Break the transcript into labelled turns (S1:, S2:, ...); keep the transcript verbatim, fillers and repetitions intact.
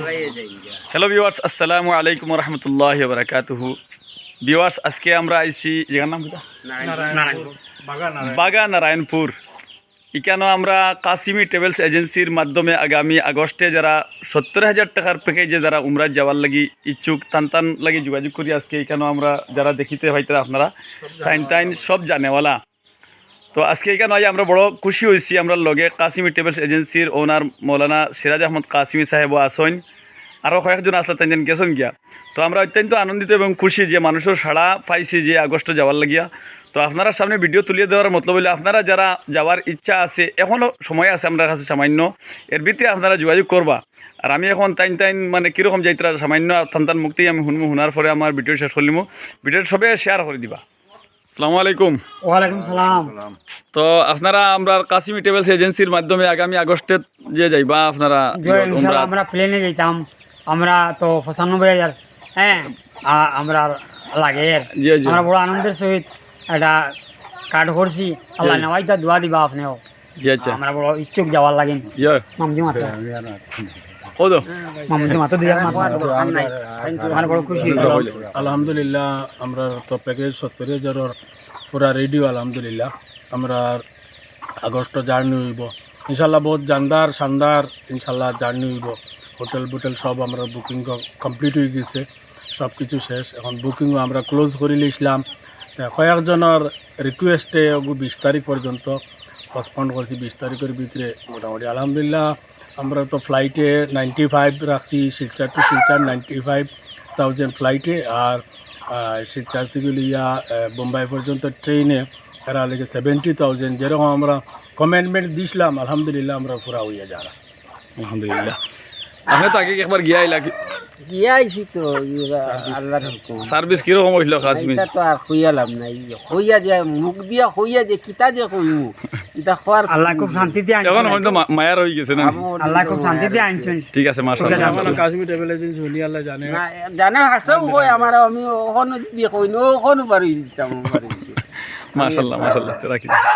S1: Hello viewers, আসসালামু আলাইকুম রহমতুল্লাহি ওয়া বারাকাতুহু। ভিউয়ার্স, আজকে আমরা আইছি জায়গার নাম কি? বাগা নারায়ণপুর। এখানে আমরা কাসিমি ট্রাভেলস এজেন্সির মাধ্যমে আগামী আগস্টে যারা সত্তর হাজার টাকার প্যাকেজে যারা উমরাত যাওয়ার লাগি ইচ্ছুক তান তান লাগি যোগাযোগ করি। আজকে এখানে আমরা যারা দেখিতে হয়তো আপনারা টাইম টাইম সব জানেওয়ালা। তো আজকে এখানে আজ আমরা বড় খুশি হয়েছি, আমরা লগে কাসিমি ট্রাভেলস এজেন্সির ওনার মৌলানা সিরাজ আহমদ কাসিমি সাহেব আসেন, আরও কয়েকজন আসলে তিনজন গেছেন গিয়া। তো আমরা অত্যন্ত আনন্দিত এবং খুশি যে মানুষের সাড়া পাইছি যে আগস্টে যাওয়ার লাগিয়া। তো আপনারা সামনে ভিডিও তুলিয়ে দেওয়ার মতলব হইলে আপনারা যারা যাওয়ার ইচ্ছা আছে, এখনও সময় আছে আমরা কাছে সামান্য, এর ভিতরে আপনারা যোগাযোগ করবা। আর আমি এখন টাইম টাইম মানে কীরকম যাইতরা সামান্য থান মুক্তি আমি শুনবো, শোনার পরে আমার ভিডিও শেষ করলিমো। ভিডিওটা সবে শেয়ার করে দিবা। আসসালামু আলাইকুম।
S2: ওয়ালাইকুম সালাম।
S1: তো আপনারা আমরা কাসিমি ট্রাভেলস এজেন্সির মাধ্যমে আগামী আগস্টে যে যাইবা আপনারা
S2: ইনশাআল্লাহ আমরা প্লেনে যাইতাম। আমরা তো পঁচানব্বই হাজার হ্যাঁ আ- আমরা লাগে এর।
S1: জি জি
S2: আমরা বড় আনন্দের সহিত এটা কার্ড করছি। আল্লাহ নেওয়াইতা দোয়া দিবা আপনিও।
S1: জি আচ্ছা
S2: আমরা বড় ইচ্ছুক যাওয়ার লাগেন।
S1: জি
S2: মামজি মাতো
S1: ও তো
S2: মামজি মাতো দিয়া আমরা বড় খুশি।
S3: আলহামদুলিল্লাহ আমরা তো প্যাকেজ সত্তর হাজারের পুরা রেডিও। আলহামদুলিল্লাহ আমরা আগস্ট জার্নি হইব ইনশাল্লাহ, বহুত জানদার শানদার ইনশাল্লাহ জার্নি হইব। হোটেল বুটেল সব আমরা বুকিং কমপ্লিট হয়ে গেছে, সব কিছু শেষ। এখন বুকিংও আমরা ক্লোজ করে লিখলাম। কয়েকজনের রিকোয়েস্টে বিশ তারিখ পর্যন্ত পসপন্ড করছি। বিশ তারিখের ভিতরে মোটামুটি আলহামদুলিল্লাহ আমরা তো ফ্লাইটে নাইনটি ফাইভ রাখছি, Silchar to Silchar ninety five thousand ফ্লাইটে, আর শিলচর থেকে লিয়া বোম্বাই পর্যন্ত ট্রেনে এরা লেগে সেভেন্টি থাউজেন্ড। যেরকম আমরা কমেন্টমেন্ট দিছিলাম আলহামদুলিল্লাহ আমরা পুরা হইয়া যারা
S1: আলহামদুলিল্লাহ। আপনি তো আগে একবার গিয়া আইলা,
S4: গিয়ে আইছি তো আল্লাহর হুকুম।
S1: সার্ভিস কিরকম হইল কাসিমি?
S4: এটা তো আর হইয়ালাম নাই, হইয়া যে মুখ দিয়া হইয়া যে কিতা যে কইমু এটা খোয়ার
S2: আল্লাহ খুব শান্তিতে
S1: এখন
S2: আনছেন।
S1: হয়তো মা- মায়ার হয়ে গেছে না?
S2: আল্লাহ খুব শান্তিতে আনছেন।
S1: ঠিক আছে, মাশাআল্লাহ।
S3: কাশ্মীর ট্রাভেল এজেন্সি হলি আল্লাহ জানে।
S4: না জানে হাসেও কই আমার, আমি ওখানে যদি কইনো ওখানে পারি দিতাম পারি
S1: মাশাআল্লাহ মাশাআল্লাহ। রাখি।